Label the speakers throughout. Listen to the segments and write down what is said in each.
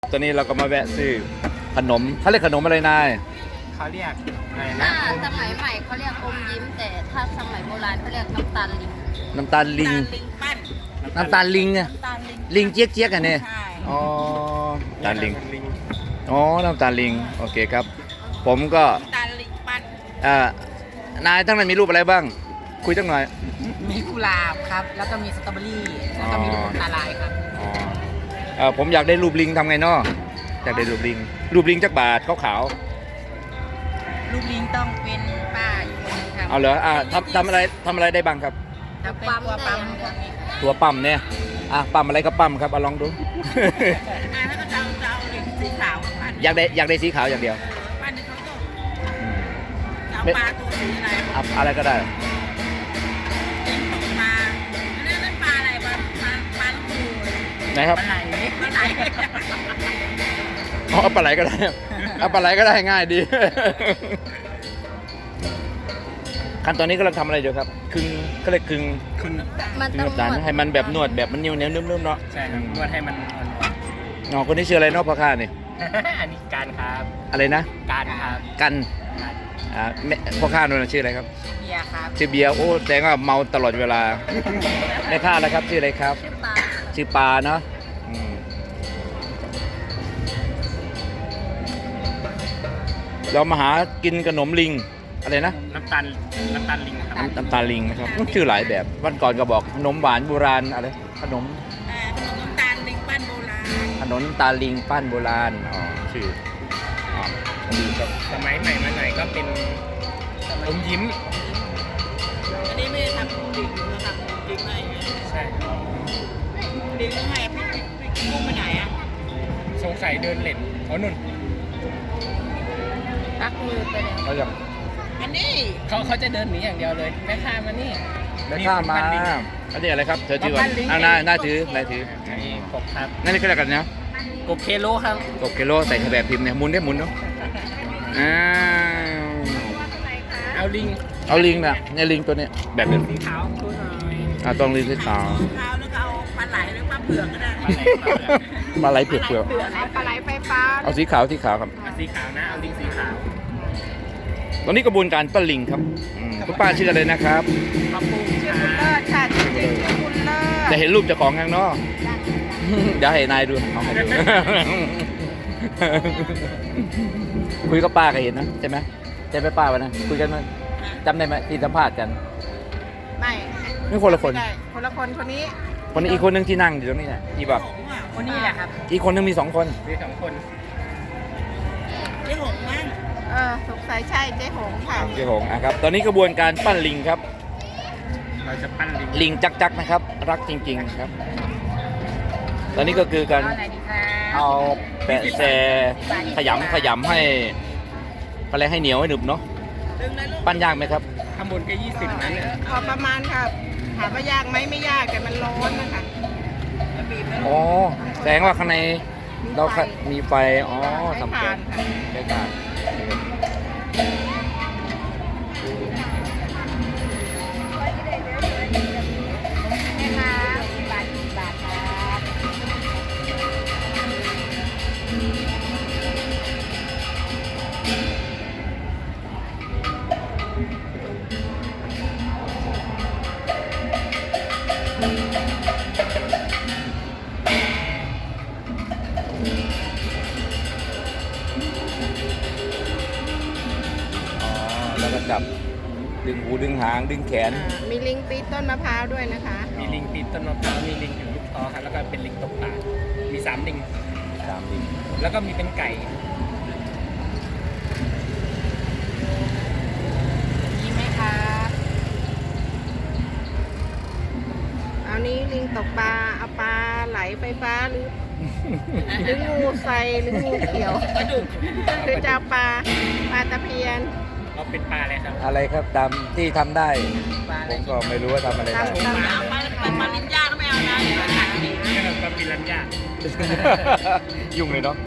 Speaker 1: ตอนนี้เราก็มาแวะซื้อขนมเขาเรียกขนมอะไรนาย
Speaker 2: เขาเรียกอะไรนะ
Speaker 3: ถ้าสมัยใหม่เขาเรียกอมยิ้ม แต่ถ้าสมัยโบราณเขาเรียกน้ำตาลลิง
Speaker 1: น้ำตาลลิง
Speaker 3: ลิงปั้น
Speaker 1: น้ำตาลลิงอะ
Speaker 3: น้ำตาลลิง
Speaker 1: ลิงเจี๊ยกเจี๊ยกอันนี้
Speaker 3: ใช่
Speaker 1: อ๋อน้ำตาลลิง
Speaker 2: ลิง
Speaker 1: อ๋อน้ำตาลลิงโอเคครับ ผมก็
Speaker 3: น้ำตาลลิงปั้น
Speaker 1: นายทั้งนั้นมีรูปอะไรบ้าง คุยตั้งหน่อย
Speaker 3: มีกุหลาบครับ แล้วก็มีสตรอเบอรี่ แล้วก็มีลูกอมตาลายครับ
Speaker 1: อ๋อผมอยากได้รูปลิงทำไงเนาะอยากได้รูปลิง รูปลิงจักบาทขาว
Speaker 3: ลูกลิงต้องเป็นป้าอยู่คนนึงครับ
Speaker 1: ๆเอาเหรอทำอะไรได้บ้างครับ
Speaker 3: แล้วปั๊มได้อย่างเดียว
Speaker 1: ตัวปั๊มเนี่ยปั๊มอะไรก็ปั๊มครับเอาลองดู
Speaker 3: ถ้าก็จะเอาลิงสีขาวปั้น
Speaker 1: อยากได้สีขาวอย่างเดียว
Speaker 3: ปั้นในเขาต้ม
Speaker 1: อืม
Speaker 3: เอาปลาตัวสีอะไร
Speaker 1: อะไรก็ได้
Speaker 3: ลิงตกปลานั่นปลาอะไรปลาลูกปู
Speaker 1: ไหนครับ
Speaker 3: ปลาไหลปลาไหล
Speaker 1: เอาปลาไหลก็ได้ เอาปลาไหลก็ได้ง่ายดี ขั้นตอนนี้กำลังทำอะไรอยู่ครับคึงก็เลยคึง
Speaker 2: คุณ
Speaker 3: มัน
Speaker 1: คึง
Speaker 3: ต้อง
Speaker 1: น้ำตาลให้มันแบบนวดแบบมันเหนียวนุ่มๆเนาะ
Speaker 2: ใช่ครับนวดให้มันอ่อน
Speaker 1: อ๋อคนนี้ชื่ออะไรเนาะพ่อข้านี่
Speaker 2: ๆ อันนี้การครับ
Speaker 1: อะไรนะ
Speaker 2: การครับ
Speaker 1: กัน
Speaker 2: การ
Speaker 1: พ่อข้าโน่นนะชื่ออะไรครับ
Speaker 3: เบียร์ครับ
Speaker 1: ชื่อเบียร์โอ้แสดงว่าเมาตลอดเวลาในข้าแล้วครับชื่ออะไรครับ
Speaker 3: ชื่อปลา
Speaker 1: ชื่อปลาเนาะอืมเรามาหากินขนมลิงอะไรนะ
Speaker 2: น้ำตาลลิงครับ
Speaker 1: น้ำตาลลิงนะครับชื่อหลายแบบวันก่อนก็บอกขนมหวานโบราณอะไรขนม
Speaker 3: ขนมน้ำตาลลิงปั้นโบราณ
Speaker 1: ขนมน้ำตาลลิงปั้นโบราณอ๋อชื่ออ๋อดีครับ
Speaker 2: สมัยใหม่มาหน่อยก็เป็นอมยิ้ม
Speaker 3: อันนี้ไม่ได้ทำลิงเราทำลิงอะไรอย่างเงี้ย
Speaker 2: ใช่ครับ
Speaker 3: ลิงต้องให้พี่กุ้งไปไหนอ่ะ
Speaker 2: สงสัยเดินเล่นอ๋อนุ่น
Speaker 3: ตักมือไปเลย
Speaker 1: เขาจะ
Speaker 3: อันนี้
Speaker 2: เขาจะเดินหนีอย่างเดียวเลยแม่ค้ามานี่
Speaker 1: ได้ข้ามมา
Speaker 2: ปั้นลิง
Speaker 1: อันนี้อะไรครับเธอชื่อ
Speaker 2: ปั้
Speaker 1: ว่าน
Speaker 2: ลิง
Speaker 1: น่าถือนายถือ
Speaker 2: นี่กบครับ
Speaker 1: นั่นนี่ก็แล้วกันนะ
Speaker 2: กบเคโลครับ
Speaker 1: ตกกิโลใส่แบบพิมพ์เนี่ยหมุนได้หมุนเนาะอ้าว
Speaker 2: เอาลิง
Speaker 1: เอาลิงนะเนี่ยลิงตัวเนี้ยแบบเนี้ย
Speaker 2: สีขาวดูหน่อย
Speaker 1: ต้องลิงสีขาว
Speaker 3: ข้าวแล้วก็เอาปลาไหลหรือปลาเผือกก็ได้
Speaker 1: มาไหลเผือก
Speaker 3: ปลาไหลไฟฟ้า
Speaker 1: เอาสีขาวครับ
Speaker 2: เอาสีขาวนะเอาลิงสีขาว
Speaker 1: ตอนนี้กระบวนการปั้นลิงครับคุณป้าชื่ออะไรนะครับ
Speaker 2: มะปู
Speaker 3: ชื่อบุญเลิศค่ะจริงๆชื่อบุญเลิศ
Speaker 1: จะเห็นรูปเจ้าของข้างนอกเดี๋ยวให้นายดูเอาให้ดู คุยกับป้าก็เห็นนะใช่ไหมใช่ไหมป้าวันนั้นคุยกันมาจำได้ไหมที่สัมภาษณ์กัน
Speaker 3: ไม่
Speaker 1: นี่คนละคน
Speaker 3: ไม่ได้คนละคนคนนี้
Speaker 1: คนนี้อีกคนนึงที่นั่งอยู่ตรงนี้แหละที่บอก
Speaker 2: คนนี้แหละครับ
Speaker 1: อีกคนนึงมี2 คน
Speaker 2: มี2 คน
Speaker 3: เจ๊หงมั้งสงสัยใช่เจ๊หงค่ะ
Speaker 1: เจ้าของครับตอนนี้กระบวนการปั้นลิงครับ
Speaker 2: เราจะปั้นลิง
Speaker 1: ลิงจักนะครับ รักจริงๆครับ ตอนนี้ก็คือการ
Speaker 3: เอาไหนดีคะ
Speaker 1: เอาแปะแซขยำให้อะไรให้เหนียวให้หนึบเนาะ
Speaker 3: ดึงเลยลูก
Speaker 1: ปั้นยากไหมครับ
Speaker 2: ข้างบนก็20นั้นเนี่ย
Speaker 3: พอประมาณครับถามว่ายากไหมไม่ยากแต่มันร้อนนะคะจะบีบแล้ว
Speaker 1: อ๋อแสดงว่าข้างในเรามีไฟอ๋อ
Speaker 3: ใช้
Speaker 1: ทำ
Speaker 3: ถ่า
Speaker 1: แก๊
Speaker 3: น
Speaker 1: ส
Speaker 3: ค่ะ
Speaker 1: ใช้ถ่าน
Speaker 3: นี่ค่ะบาทครับ
Speaker 1: แล้วก็จับดึงหูดึงหางดึงแขน
Speaker 3: มีลิงปีนต้นมะพร้าวด้วยนะคะ
Speaker 2: มีลิงปีนต้นมะพร้าวมีลิงอยู่ลูกท้อครับแล้วก็เป็นลิงตกปลามี3 ลิง
Speaker 1: 3 ลิง
Speaker 2: แล้วก็มีเป็นไก่
Speaker 3: มีไหมคะเอานี้ลิงตกปลาเอาปลาไหลไฟฟ้าหรืองูใสหรืองูเขียวคือจะเอาปลาตะเพียน
Speaker 2: เราเป็นปลาอะไรครับ
Speaker 1: อะไรครับตามที่ทำได้
Speaker 3: ปลาอะไร
Speaker 1: ผมก็ไม่รู้ว่าทำอะไรได้
Speaker 3: ทำเอาปลาลิ้นย่าก็ไม่เอานะ
Speaker 2: นี่เราปลาปิรันย่า
Speaker 1: ยุ่งเลยเนาะ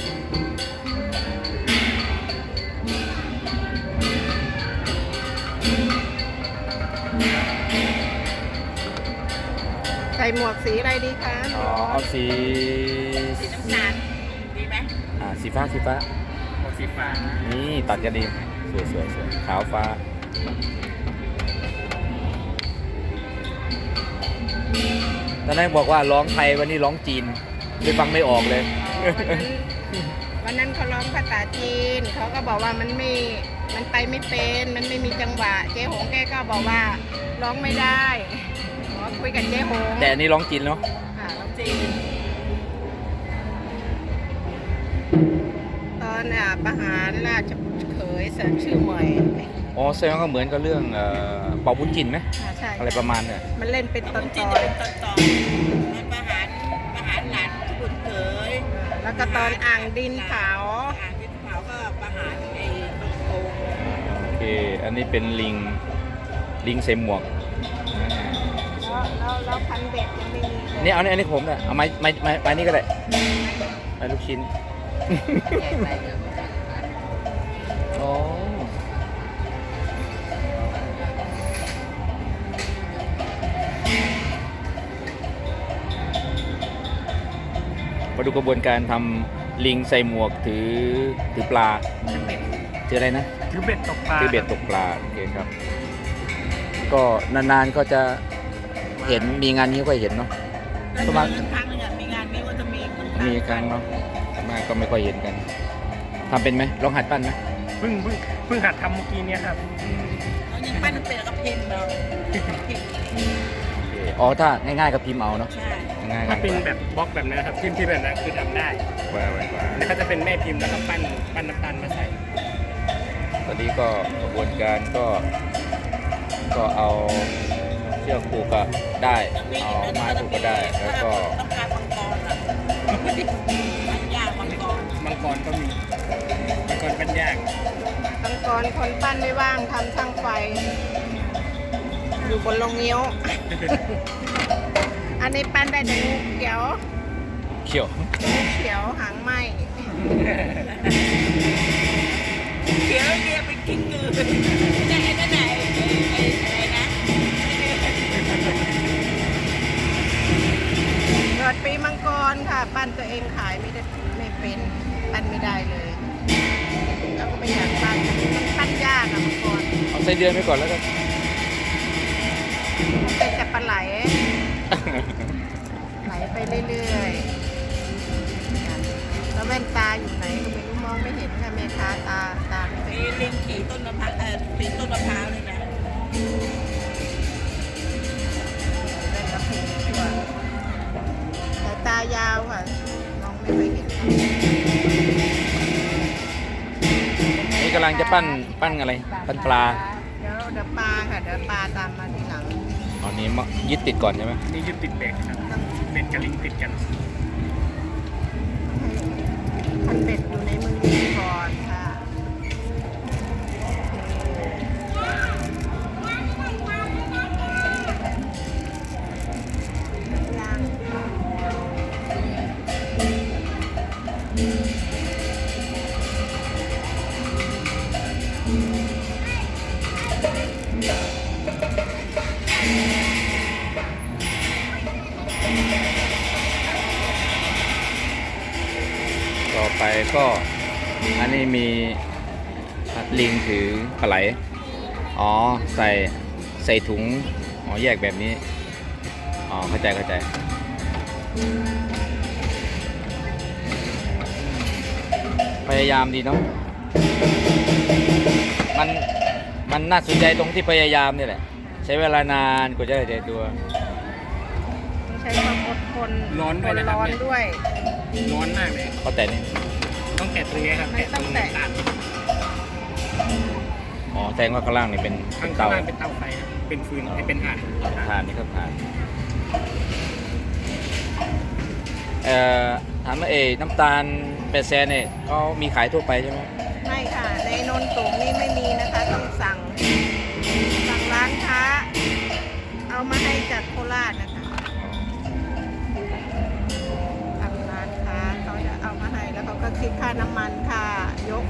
Speaker 3: ใส่หมวกสีอะไรดีคะ
Speaker 1: อ๋อเอาสี
Speaker 3: สีน้ำตาลดีไหม
Speaker 1: สีฟ้าสีฟ้า
Speaker 2: หมวกสีฟ้า
Speaker 1: นี่ตัดกันดีสวยสวยสวยขาวฟ้าตอนนั้นบอกว่าร้องไทยวันนี้ร้องจีนเลยฟังไม่ออกเลย
Speaker 3: วันนั้นเขาร้องภาษาจีนเขาก็บอกว่ามันไปไม่เป็นมันไม่มีจังหวะเจ๊หงแกก็บอกว่าร้องไม่ได้ขอคุยกับเจ๊หง
Speaker 1: แต่อันนี้ร้องจีนเนาะ
Speaker 3: ค่ะร้องจีนตอนประหารราชบุตรเขยเสริมชื่อใหม่
Speaker 1: อ๋อแสดงว่าก็เหมือนกับเรื่องเป่าบุญจินไหม
Speaker 3: ใช่
Speaker 1: อะไรประมาณเนี่ย
Speaker 3: มันเล่นเป็นตอน
Speaker 4: จีน
Speaker 3: ๆ
Speaker 4: จะเป็นตอนมันประหารหลานบุตรเขย
Speaker 3: แล้วก็ตอนอ่างดินเผา
Speaker 4: อ่างดินเผาก็ประหารไอ้ตรงโกง
Speaker 1: โอเคอันนี้เป็นลิงใส่หมวก
Speaker 3: แล้วพันเบ็ดยังไม่มีเลย
Speaker 1: นี่เอาอันนี้ผมเนี่ยเอาไม้นี่ก็ได้ไม้ลูกชิ้นอ๋อมาดูกระบวนการทำลิงใส่หมวกถือปลาถืออะไรนะ
Speaker 2: ถือเบ็ดตกปลา
Speaker 1: ถือเบ็ดตกปลาโอเคครับ ก็นานๆก็จะเห็นมีงานนี้ก็เห็นเนาะ ประมาณ
Speaker 4: ครั้งหนึงอะมีงานนี้ว่าจะมี
Speaker 1: มีครั้งเนาะมากก็ไม่ค่อยเห็นกันทำเป็นไหมลองหัดปั้นไหม
Speaker 2: เพิ่งหัดทำเมื่อกี้เนี่ยครับ
Speaker 4: เขายังปั้นเป็นแล้วก็พิมพ์เราพิมพ์
Speaker 1: อ๋อถ้าง่ายๆก็พิมพ์เอาเนาะ
Speaker 4: ใช่
Speaker 1: ง่ายๆ
Speaker 2: ถ้าเป็นแบบบล็อกแบบนั้นนะครับพิมพ์ที่แบบนั้นคือทำได้
Speaker 1: ว่า
Speaker 2: แล้วก็จะเป็นแม่พิมพ์แล้วก็ปั้นน้ำตาลมาใส่
Speaker 1: ตอนนี้ก็กระบวนการก็เอาเชือกผูกก็ได้เอาไม้ผูกก็ได้แล้วก็
Speaker 4: ต้องการมังกรอะปั้นยากมังกร
Speaker 2: มังกรก็มีมังกรปั้นยาก
Speaker 3: ตั้งก่อนคนปั้นไม่ว่างทำช่างไฟ อยู่บนโรงเงี้ยว อันนี้ปั้นได้แต่งูเขียว
Speaker 1: เขี่ยว
Speaker 3: งูเขียวหางไหม
Speaker 4: เขียวเรียเป็นกิ้งกือนั่นไหนอะไรนะ
Speaker 3: เกิดปีมังกรค่ะ ปั้นตัวเองขายไม่ได้ไม่เป็นปั้นไม่ได้เลยแล้วก็ไม่อยากปั้นมันปั้นยากอะมังกร
Speaker 1: เอาไส้เดือนไปก่อนแล้วกัน
Speaker 3: มันเป็นแต่ปลาไหล ไหลไปเรื่อยๆแล้วแว่นตาอยู่ไหนก็ไม่รู้มองไม่เห็นค่ะแม่ค้าตาไม่เป็น
Speaker 4: มีลิงขี่ต้นมะพร้าวปีนต้นมะพร้าวเลยนะ
Speaker 3: แว่นกระพิงชั่วสายตายาวค่ะมองไม่ค่อยเห็นค่ะ
Speaker 1: นี่กำลังจะปั้นอะไรปั้นปลา
Speaker 3: เดี๋ยวปลาค่ะเดี๋ยวปลาตามมาทีหลัง
Speaker 1: อันนี้ยึดติดก่อนใช่ไหม
Speaker 2: นี่ยึดติดเบ็ดครับเบ็ดกับลิงติดกัน
Speaker 3: คันเบ็ดอยู่ในมือดีก่อนค่ะย่าง
Speaker 1: ต่อไปก็อันนี้มีลิงถือปลาไหลอ๋อใส่ถุงอ๋อแยกแบบนี้อ๋อเข้าใจพยายามดีเนาะมันน่าสนใจตรงที่พยายามนี่แหละใช้เวลานานกว่าจะได้ใจตัว
Speaker 3: ต้องใช้ความอดทน
Speaker 2: ร้อนด้วยนะครับ
Speaker 3: ร้อนด้วย
Speaker 2: ร้อนมากเลย
Speaker 1: ก็แต่นี่
Speaker 2: ต้องแกะตรงนี้ครับ
Speaker 3: ไม่ต้องแตะ
Speaker 2: ตรง
Speaker 1: อ๋อแสดงว่าข้างล่างนี่เป็น
Speaker 2: ข้าง
Speaker 1: เตา
Speaker 2: ล่างเป็นเตาไฟครับเป็นฟืนเป็นถ่าน
Speaker 1: ทานนี่ครับทานถามว่าน้ำตาลเป็ดแซนเนี่ยเขามีขายทั่วไปใช่ไหม
Speaker 3: ไม่ค่ะในนนสูงนี่ไม่มีนะคะต้องสั่งร้านค้า เอามาให้จากโคราชนะคะสั่งร้านค้าเขาจะเอามาให้แล้วเขาก็คิดค่าน้ำมันค่ายก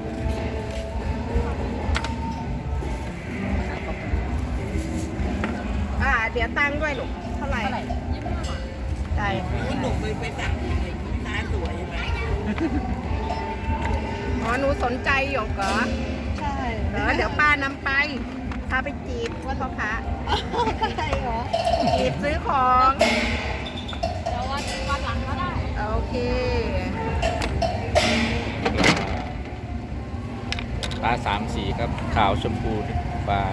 Speaker 3: เดี๋ยวตังค์ด้วยลูกเท่าไหร่ใช่
Speaker 4: คุณหนุ่มไปสั่งค้าสวยใช่ไหม
Speaker 3: อ๋อหนูสนใจหยกเหรอ
Speaker 4: ใช่
Speaker 3: เหรอเดี๋ยวป้านำไปพาไปจีบว่าเขาพระ
Speaker 4: ใช่เหรอ
Speaker 3: จีบซื้อของ
Speaker 4: เดี๋ยววันหลังก็ได้
Speaker 3: โอเค
Speaker 1: ปลาสามสีครับขาวชมพูปลา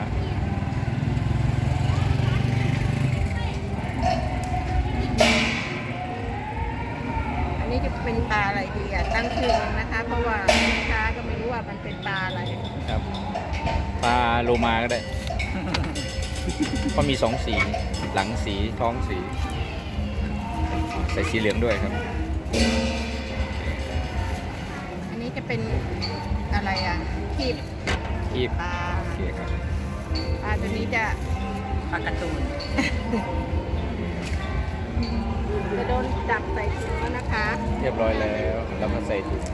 Speaker 3: อันนี้จะเป็นปลาอะไรดีอ่ะตั้งชื่อมันนะคะ เพราะว่าลูกค้าก็ไม่รู้ว่ามันเป็นปลาอะไร
Speaker 1: ครับปลาโลมาก็ได้ เพราะมีสองสีหลังสีท้องสีใส่สีเหลืองด้วยครับ
Speaker 3: อันนี้จะเป็นอะไรอ่ะคีบ
Speaker 1: คีบ
Speaker 3: ปลา
Speaker 1: โอเคครับ
Speaker 3: ปลาตัวนี้จะ
Speaker 2: ปลาการ์ตูน
Speaker 3: จะโดนจับใส่ถุงแล้วนะคะ
Speaker 1: เรียบร้อยแล้วเรามาใส่ถุง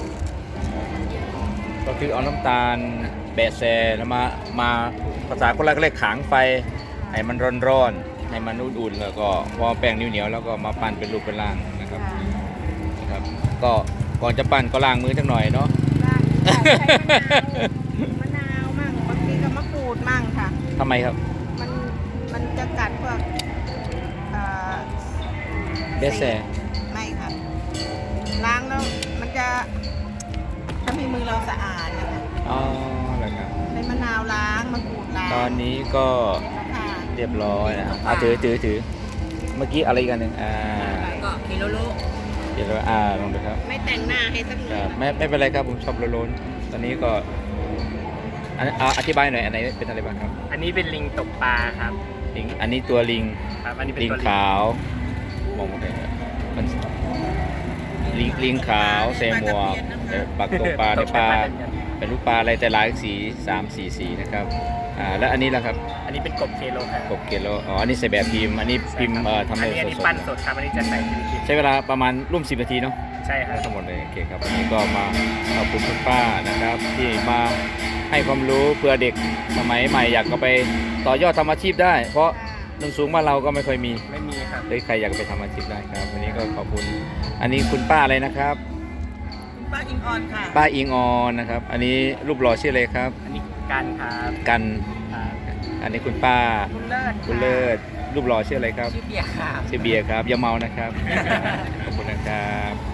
Speaker 1: ก็คือเอาน้ำตาลแบะแซแล้วมาภาษาคนแรกเรียกขางไฟให้มันร้อนๆให้มันอุ่นๆแล้วก็พอแป้งเหนียวๆแล้วก็มาปั้นเป็นรูปเป็นร่างนะครับ
Speaker 3: ค่ะ
Speaker 1: นะครับ ก็ก่อนจะปั้นก็ล้างมือสักหน่อยเนาะ
Speaker 3: ล่างใส่มะนาวมั่งบางทีก็มะกรูดมั่งค่ะ
Speaker 1: ทำไมครับ
Speaker 3: มันจะกัดพวกเอ่อ
Speaker 1: เบสแซ
Speaker 3: ไม่ค่ะ ล้างแล้วมันจะทำให้มือเราสะอาดนะคะ
Speaker 1: อ๋อเหรอครับ
Speaker 3: ใช้มะนาวล้างมะกรูดล้าง
Speaker 1: ตอนนี้ก็
Speaker 3: ค่ะ
Speaker 1: เรียบร้อยนะถือเมื่อกี้อะไรอีกันหนึ่ง
Speaker 4: ก็คิโลโล
Speaker 1: เดี๋ยวเราลองดูครับ
Speaker 3: ไม่แต่งหน้าให้สักห
Speaker 1: ค
Speaker 3: น่
Speaker 1: รั
Speaker 3: อบ
Speaker 1: ไม่เป็นไรครับผมชอบโลนๆตอนนี้ก็อธิบายหน่อยอันไหนเป็นอะไรบ้างครับ
Speaker 2: อันนี้เป็นลิงตกปลาครับ
Speaker 1: ลิงอันนี้ตัวลิง
Speaker 2: ครับอันนี้เป็น
Speaker 1: ลิง
Speaker 2: ตัวลิง
Speaker 1: ขาวมองไม่เห็นครับมันลิงขาวใส่หมวกปักตกปลาในปลาเป็นลูกปลาอะไรแต่หลายสี3-4 สีนะครับแล้วอันนี้ล่ะครับ
Speaker 2: อันนี้เป็นกบเคโลครับ
Speaker 1: กบเกลโลอ๋ออันนี้ใส่แบบพิมพ์อันนี้พิมพ์ทำ
Speaker 2: อั
Speaker 1: ให้
Speaker 2: นนี้
Speaker 1: ส
Speaker 2: ปั้น
Speaker 1: ด
Speaker 2: สดครับอันนี้จะใส่ฟิลิปปิน
Speaker 1: ๆ
Speaker 2: ส์
Speaker 1: ใช้เวลาประมาณร่วม10 นาทีเนาะ
Speaker 2: ใช่ครับ
Speaker 1: ทั้งหมดเลยโอเคครับวันนี้ก็มาขอบคุณคุณป้านะครับ ที่มาให้ความรู้เพื่อเด็กสมัยใหม่อยากก็ไปต่อยอดทำอาชีพได้ เพราะหนึ่งสูงบ้านเราก็ไม่ค่อยมี
Speaker 2: ไม่มีครับ
Speaker 1: เลยใครอยากไปทำอาชีพได้ครับวันนี้ก็ขอบคุณอันนี้คุณป้าอะไรนะครับ
Speaker 4: ป้าอิงออนค่ะ
Speaker 1: ป้าอิงออนนะครับ อันนี้รูปหล่อชื่ออะไรครับ
Speaker 2: อันนี้กันครับ
Speaker 1: กัน
Speaker 2: ครับ
Speaker 1: อันนี้คุณป้า
Speaker 3: คุณเลิศ
Speaker 1: คุณเลิศรูปหล่อชื่ออะไรครับ
Speaker 4: ชื่อเบียร์ค่ะ
Speaker 1: ชื่อเบียร์ครับอย่าเมานะครับ ขอบคุณนะครับ